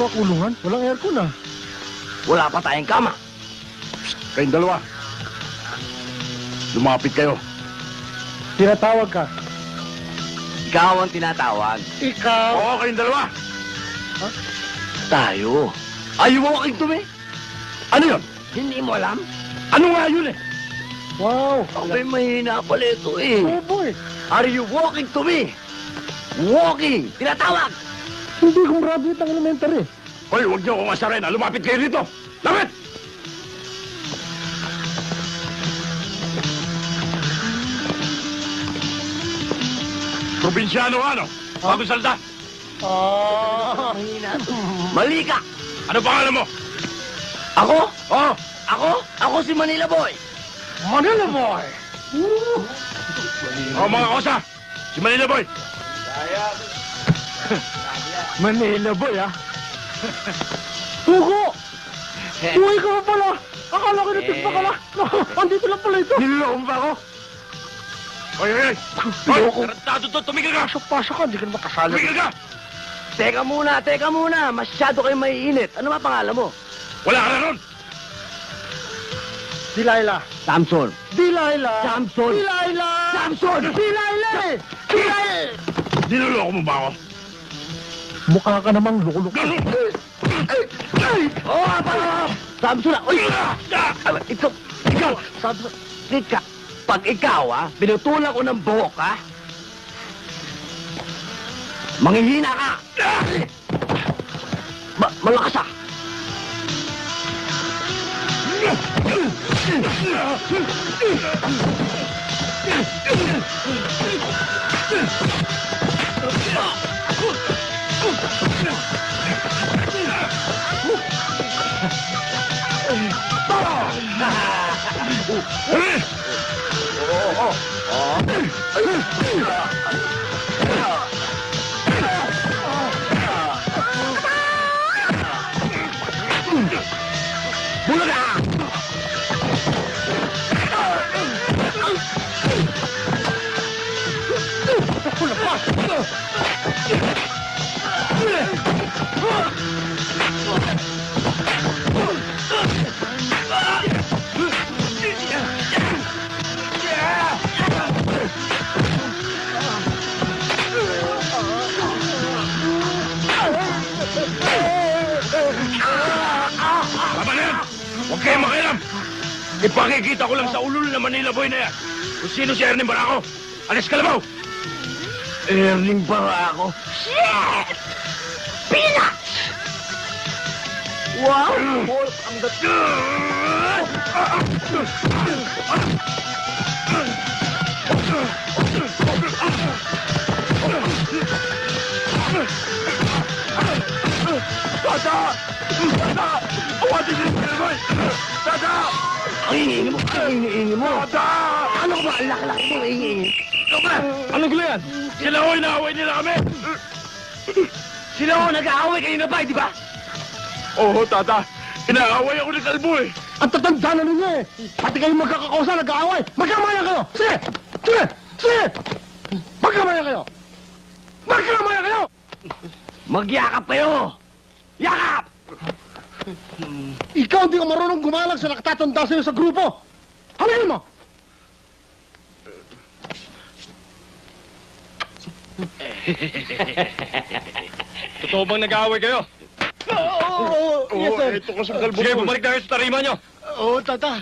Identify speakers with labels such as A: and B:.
A: ba kulungan? Walang aircon ah.
B: Wala pa tayong kama.
C: Kayong dalawa. Lumapit kayo.
A: Tinatawag ka.
B: Ikaw ang tinatawag.
A: Ikaw!
C: Oo, kayong dalawa.
B: Tayo. Are you walking to me?
C: Ano yun?
B: Hindi mo alam?
C: Ano nga yun eh?
A: Wow!
B: Abay, mahina pala ito eh.
A: Oh boy!
B: Are you walking to me? Walking! Tinatawag!
A: Hindi kong graduate ng elementary.
C: Hoy, huwag niyo akong asarin. Lumapit kayo dito. Lapit! Probinsyano ano? Bagong salda.
B: Mahina to. Mali ka!
C: Ano pangalan mo?
B: Ako?
C: Oh,
B: Ako si Manila Boy.
A: Manila boy!
C: oh mga kosa. Si Manila Boy.
A: Manila boy ah! Hugo! Uy ka pa pala! Akala ko natin pa ka na! Andito lang pala ito!
C: Niloloko mo ba ako? Hoy, hoy, hoy! Hoy, tarantado to! Tumigil ka!
A: Pasok-pasok ka, hindi ka naman kasala.
C: Tumigil ka!
B: Teka muna. Masyado kayo maiinit. Ano ba pangalan mo?
C: Wala ka na ron!
A: Delilah!
B: Samson.
A: Delilah!
B: Samson.
A: Delilah!
B: Samson!
A: Delilah! Delilah!
C: Niloloko mo ba ako?
A: Mukha ka namang lukuluk.
B: Oh, apa! Samson! Uy! Ikaw! Samson! Tika! Pag ikaw, binutulak ko ng buhok, manghihina ka! Malakas, Bulaga!
C: Tama na yan! Huwag kayong makialam! Ipakikita ko lang sa ulul na Manila Boy na yan kung sino si Ernie Barako! Alis Kalabaw!
B: Erling Barako. Shit! Peanuts! Wow! Wolf ang
C: Tata! Tata! Awatin niyo si Manila Boy! Tata!
B: Ang ingi mo.
C: Tata!
B: Ano ba? Ang laki-laki mo, ingi.
C: Ikaw ba?
A: Anong gulo yan?
C: Sila ho, inaaway nila kami!
B: Sila ho, nag-aaway kayo na ba, di ba?
C: Oo, Tata! Inaaway ako ni Kalbo eh!
A: Ang tatanda na ninyo eh! Pati kayo magkakausa, nag-aaway! Magkamayan kayo! Sige! Sige! Sige! Magkamayan kayo! Magkamayan kayo!
B: Magyakap kayo! Yakap!
A: Ikaw hindi ka marunong gumalang sa nakatatanda sa'yo sa grupo! Halingin mo!
C: Totoo bang nag-aaway kayo?
A: Oo! Yes, sir!
C: Ito ko sa Kalbo. Sige, bumalik na kayo sa tarima nyo!
A: Oo, tata!